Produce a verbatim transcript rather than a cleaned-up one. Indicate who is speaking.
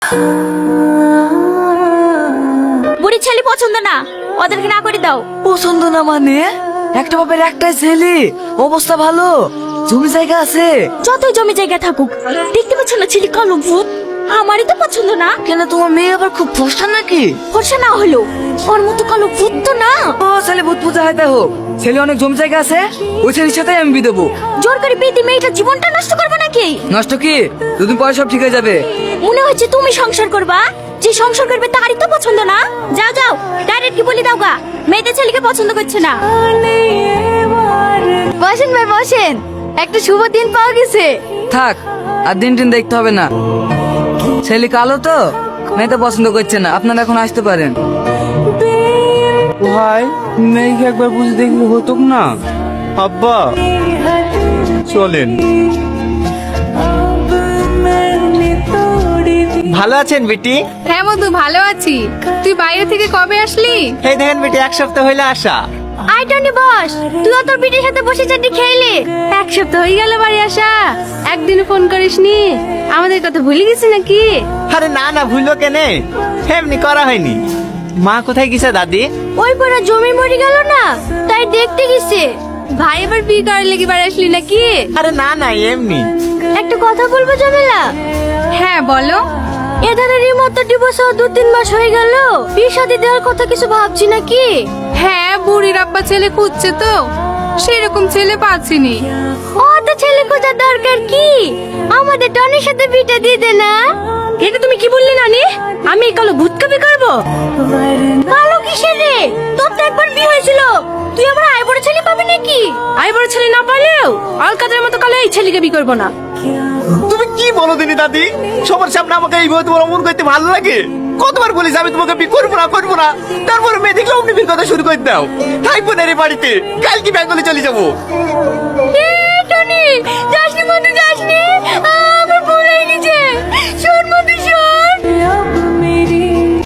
Speaker 1: বুড়ি ছেলে পছন্দ না, ওদেরকে না করে দাও।
Speaker 2: পছন্দ না মানে? একটা বাপের একটাই ছেলে, অবস্থা ভালো, জমি জায়গা আছে।
Speaker 1: যতই জমি জায়গা থাকুক, দেখতে পাচ্ছ না ছেলে কালো ভূত? আমারই তো পছন্দ না।
Speaker 2: কেন, তোমার মেয়ে আবার খুব ফর্সা নাকি?
Speaker 1: ফর্সা না হলো ওর মতো কালো ভূত তো না।
Speaker 2: ও ছেলে ভূত পূজা হয় তাই হোক, ছেলে অনেক জমি জায়গা আছে, ওই ছেলের সাথে আমি বিয়ে দেবো।
Speaker 1: জোর করে পেতে মেয়েটা জীবনটা নষ্ট করবে নাকি?
Speaker 2: নষ্ট কি, দুদিন পরে সব ঠিক হয়ে যাবে।
Speaker 1: মনে হচ্ছে তুমি সংসার করবা, যে সংসার করবে তারই তো পছন্দ না। যাও যাও, ডাইরেক্ট কি বলি দাও গা, মেয়েদের ছেলেকে পছন্দ করছে না।
Speaker 3: বসেন ভাই বসেন, একটা শুভ দিন পাওয়া গেছে।
Speaker 2: থাক, আর দিন টিন দেখতে হবে না, ছেলে কালো তো মেয়ে তো পছন্দ করছে না, আপনারা এখন আসতে পারেন।
Speaker 4: ভাই মেয়েকে একবার বুঝে দেখলে হতো না? আব্বা চলেন।
Speaker 5: ভালো আছেন বেটি?
Speaker 3: হ্যাঁ মধু, ভালো আছি। তুই বাইরে থেকে কবে আসলি?
Speaker 5: এই দেখেন বেটি, এক সপ্তাহ হইলে আসা।
Speaker 3: আই টনি বস, তুই তোর পিঠের সাথে বসে চাটি খেইলি। এক সপ্তাহ হয়ে গেল বাড়ি আসা, একদিন ফোন করিসনি। আমাদের কথা ভুলে গেছি নাকি?
Speaker 5: আরে না না, ভুলবো কেনে, এমনি করা হয়নি। মা কোথায় গেছে দাদি?
Speaker 3: ওই পড়া জমি মরে গেল না, তাই দেখতে গেছে। ভাই এবার বিয়ে করার লেগে বাড়ি আসলি নাকি?
Speaker 5: আরে না না, এমনি।
Speaker 3: একটা কথা বলবো জমেলা? হ্যাঁ বলো। এধারে রিমোট তো ডিভোর্স হওয়া দু তিন মাস হয়ে গেল, বিয়ে শাদী দেওয়ার কথা কিছু ভাবছি নাকি? হ্যাঁ, বুড়ির আব্বা ছেলে খুঁজছে তো, সেরকম ছেলে পাচ্ছিনি। ও তো ছেলে খোঁজার দরকার কি, আমাদের টনির সাথে বিটা দিয়ে দে না।
Speaker 1: এটা তুমি কি বললি নানি? আমি এই কালো ভূতকে বিয়ে করবো?
Speaker 3: কালো কিসের রে, তোর তো একবার বিয়ে হয়েছিল, তুই আবার আয় বড় ছেলে পাবি নাকি?
Speaker 1: আই বড় ছেলে না পারলেও অলকাদের মতো কালো এই ছেলেকে বিয়ে করবো না।
Speaker 5: তুমি কি বলো দিনি দাদি? সবার সামনে আমাকে এইভাবে তোমার অমন করতে ভালো লাগে? কতবার বলিস আমি তোমাকে বিয়ে করবো না করবো না, তারপরে মেয়ে দেখলে অমনি বিয়ের কথা শুরু করে দাও। থাকবো না রে বাড়িতে, কালকে বেঙ্গলে চলে যাবো।
Speaker 3: এ